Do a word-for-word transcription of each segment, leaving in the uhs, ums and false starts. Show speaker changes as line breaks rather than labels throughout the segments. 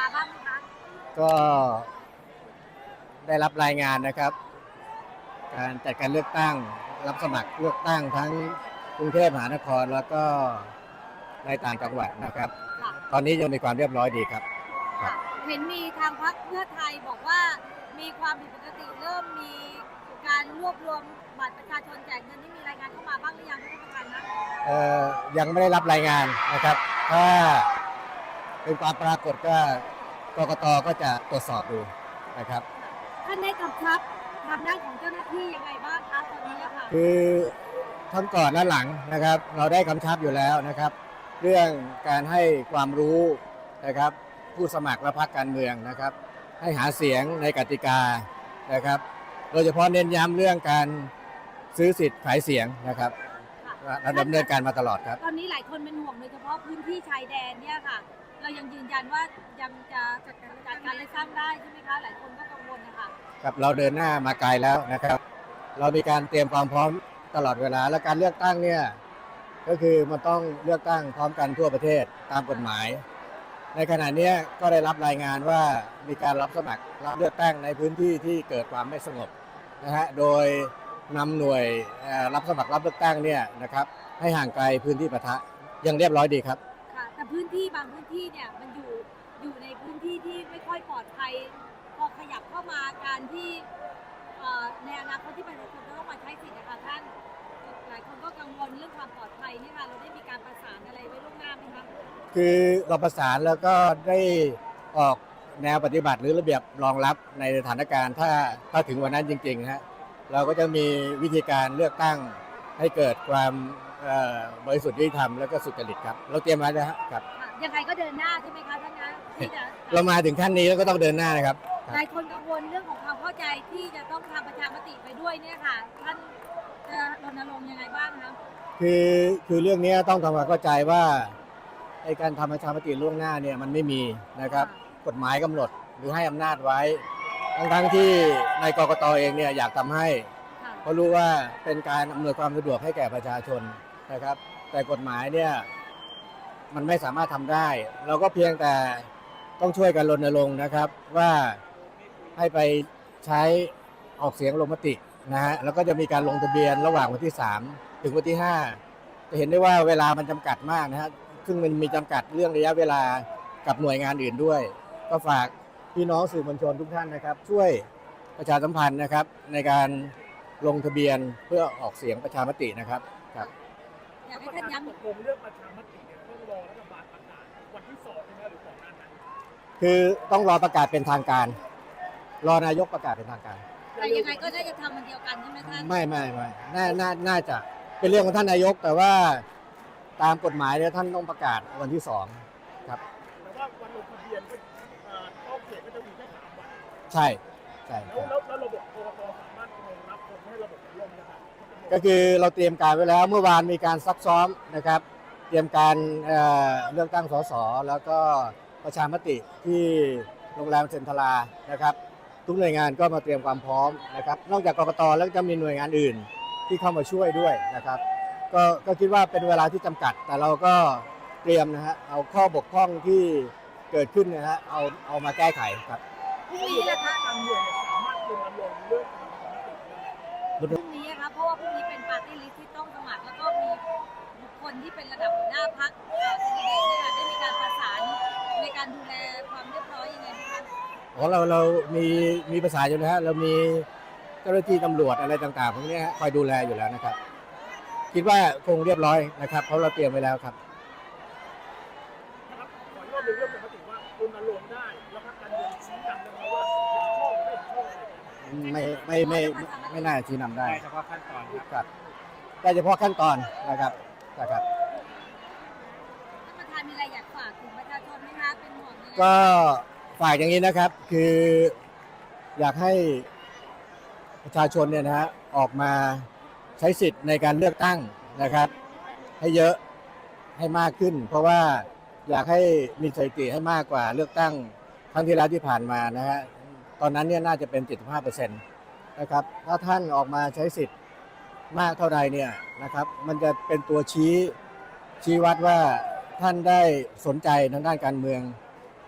มาบ้างไหมคะ
ก็ได้รับรายงานนะครับการจัดการเลือกตั้งรับสมัครเลือกตั้งทั้งกรุงเทพมหานครแล้วก็ในต่างจังหวัดนะครับตอนนี้ยังมีความเรียบร้อยดีครับ
เห็นมีทางพรรคเพื่อไทยบอกว่ามีความผิดปกติเริ่มมีการรวบรวมบัตรประชาชนแจกเงินที่มีรายงานเข้ามาบ้างหรือยังท่านประธานนะ
เอ่อยังไม่ได้รับรายงานนะครับถ้าเป็นความปรากฏก็กกตก็จะตรวจสอบดูนะครับ
ท่านได้กำชับทางด้านของเจ้าหน้าที่ยังไงบ้างคะตอนนี้ค่ะ
คือทั้งก่อนและหลังนะครับเราได้กำชับอยู่แล้วนะครับเรื่องการให้ความรู้นะครับผู้สมัครและพรรคการเมืองนะครับให้หาเสียงในกติกานะครับโดยเฉพาะเน้นย้ำเรื่องการซื้อสิทธิ์ขายเสียงนะครับเราดำเนินการมาตลอดครับ
ตอนนี้หลายคนเป็นห่วงโดยเฉพาะพื้นที่ชายแดนเนี่ยค่ะเรายังยืนยันว่ายังจะจัดการการเลือกตั้งได้ใช่ไหมคะหลายคนก็กังวลนะคะ
ครับเราเดินหน้ามาไกลแล้วนะครับเรามีการเตรียมความพร้อมตลอดเวลาและการเลือกตั้งเนี่ยก็คือมันต้องเลือกตั้งพร้อมกันทั่วประเทศตามกฎหมายในขณะนี้ก็ได้รับรายงานว่ามีการรับสมัครรับเลือกตั้งในพื้นที่ที่เกิดความไม่สงบนะฮะโดยนำหน่วยรับสมัครรับเลือกตั้งเนี่ยนะครับให้ห่างไกลพื้นที่ปะทะยังเรียบร้อยดีครับ
ค่ะแต่พื้นที่บางพื้นที่เนี่ยมันอยู่อยู่ในพื้นที่ที่ไม่ค่อยปลอดภัยพอขยับเข้ามาการที่ในอนาคตที่ประชาชนจะต้องมาใช้สิทธิ์นะคะท่านหลายคนก็กังวลเรื่องความปลอดภัยนี่ค่ะเราได้มีการประสานอะไรไว้ล่วงหน้าไหมคะ
คือเราประสานแล้วก็ได้ออกแนวปฏิบัติหรือระเบียบรองรับในสถานการณ์ถ้าถ้าถึงวันนั้นจริงๆนะฮะเราก็จะมีวิธีการเลือกตั้งให้เกิดความบริสุทธิ์ยุติธรรมแล้วก็สุจริตครับเราเตรียมไว้แล้วครับ
ยังไงก็เดินหน้าใช่ไหมคะท่านนะที่จะ
เรามาถึงขั้นนี้แล้วก็ต้องเดินหน้านะครับ
หลายคนกังวลเรื่องของความเข้าใจที่จะต้องทำประชามติไปด้วยเนี่ยค่ะท่านจะรณรงค์ยังไงบ้างครับ
คือคือเรื่องนี้ต้องทำความเข้าใจว่าไอ้การทำประชามติล่วงหน้าเนี่ยมันไม่มีนะครับกฎหมายกำหนดหรือให้อำนาจไว้ทั้งทั้งที่ในกกตเองเนี่ยอยากทำให้เพราะรู้ว่าเป็นการอำนวยความสะดวกให้แก่ประชาชนนะครับแต่กฎหมายเนี่ยมันไม่สามารถทำได้เราก็เพียงแต่ต้องช่วยกันรณรงค์นะครับว่าให้ไปใช้ออกเสียงลงมตินะฮะแล้วก็จะมีการลงทะเบียนระหว่างวันที่สามถึงวันที่ห้าจะเห็นได้ว่าเวลามันจำกัดมากนะฮะซึ่งมันมีจำกัดเรื่องระยะเวลากับหน่วยงานอื่นด้วยก็ฝากพี่น้องสื่อมวลชนทุกท่านนะครับช่วยประชาสัมพันธ์นะครับในการลงทะเบียนเพื่อออกเสียงประชามตินะครับครับ
อยากให้ท่านย้ำ
ตกลงเรื่องประชามติเนี่ยต้องรอรัฐบาลประกาศวันที่สองใช่ไหมหรือก่อนหน้านั้น
คือต้องรอประกาศเป็นทางการรอนายกประกาศเป็นทางการ
แต่ยังไงก็น่าจะทำมันเดียวกันใช่ไหมท่าน
ไม่ไม่ไม่น่าน่าน่าจะเป็นเรื่องของท่านนายกแต่ว่าตามกฎหมายเนี่ยท่านต้องประกาศวันที่สองครับ
แต่ว่าวันลงทะเบียนก็เข้าเขตก็จะมีแค่สามวัน
ใช่ใช่
แล้วแล้วระบบกกตสามารถรองรับคนให้ระบบลงนะครับ
ก็คือเราเตรียมการไว้แล้วเมื่อวานมีการซักซ้อมนะครับเตรียมการเลือกตั้งสสแล้วก็ประชามติที่โรงแรมเซ็นทรานะครับทุกหน่วยงานก็มาเตรียมความพร้อมนะครับนอกจากกกตแล้วจะมีหน่วยงานอื่นที่เข้ามาช่วยด้วยนะครับก็ก็คิดว่าเป็นเวลาที่จำกัดแต่เราก็เตรียมนะฮะเอาข้อบกพร่องที่เกิดขึ้นนะฮะเอาเอามาแก้ไขครับ
พรุ่งนี้นะคะ
ทางเมืองสามารถรณรงค์เรื่อง
พรุ่งนี้นะคะเพราะว่าพรุ่งนี้เป็นปาร์ตี้ลิสต์ที่ต้องสมัครแล้วก็มีบุคคลที่เป็นระดับหัวหน้าพรรคแคนดิเดตเนี่ยได้มีการประสานในการดูแลความเรียบร้อยยังไงบ้างคะ
ของเราเรามีมีประสานอยู่นะฮะเรามีเจ้าหน้าที่ตำรวจอะไรต่างๆพวกนี้คอยดูแลอยู่แล้วนะครับคิดว่าคงเรียบร้อยนะครับเพราะเราเตรียมไว้แล้วครับ
นะครับขอรอบหนึ่งเรื่องปกติว่ารณรงค์ได้แล้วพรรคการเมืองชี้นำได้ไหมว่าเห็นชอบไม่เห็นชอบอะไร
ไม่ไม่ไม่ไม่น่าชี้นำได้
เฉพาะขั้นตอน
ครับได้เฉพาะขั้นตอนนะครับนะครับ
ท่านประธานมีอะไรอยากฝากถึงประชาชนไหมคะเป็นห่วง
ก็ฝากอย่างนี้นะครับคืออยากให้ประชาชนเนี่ยนะฮะออกมาใช้สิทธิ์ในการเลือกตั้งนะครับให้เยอะให้มากขึ้นเพราะว่าอยากให้มีสถิติให้มากกว่าเลือกตั้งครั้งที่แล้วที่ผ่านมานะฮะตอนนั้นเนี่ยน่าจะเป็น เจ็ดสิบห้าเปอร์เซ็นต์ นะครับถ้าท่านออกมาใช้สิทธิ์มากเท่าใดเนี่ยนะครับมันจะเป็นตัวชี้ชี้วัดว่าท่านได้สนใจทางด้านการเมือง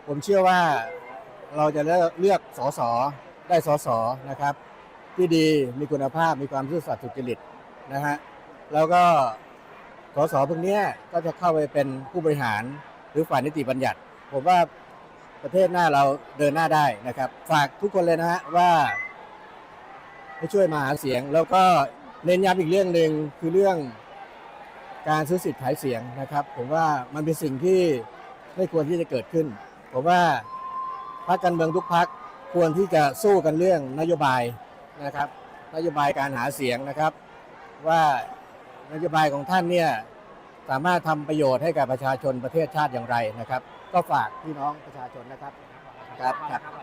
ผมเชื่อว่าเราจะเลือกเลือกสสได้สสนะครับ ที่ดีมีคุณภาพมีความซื่อสัตย์สุจริตนะฮะแล้วก็สสพวกเนี้ยก็จะเข้าไปเป็นผู้บริหารหรือฝ่ายนิติบัญญัติ ผมว่าประเทศหน้าเราเดินหน้าได้นะครับ ฝากทุกคนเลยนะฮะว่าให้ช่วยมาหาเสียง แล้วก็เน้นย้ำอีกเรื่องหนึ่งคือเรื่องการซื้อสิทธิ์ขายเสียงนะครับ ผมว่ามันเป็นสิ่งที่ไม่ควรที่จะเกิดขึ้น ผมว่าพรรคการเมืองทุกพรรคควรที่จะสู้กันเรื่องนโยบายนะครับ นโยบายการหาเสียงนะครับ ว่านโยบายของท่านเนี่ยสามารถทำประโยชน์ให้กับประชาชนประเทศชาติอย่างไรนะครับ ก็ฝากพี่น้องประชาชนนะครับครับครับ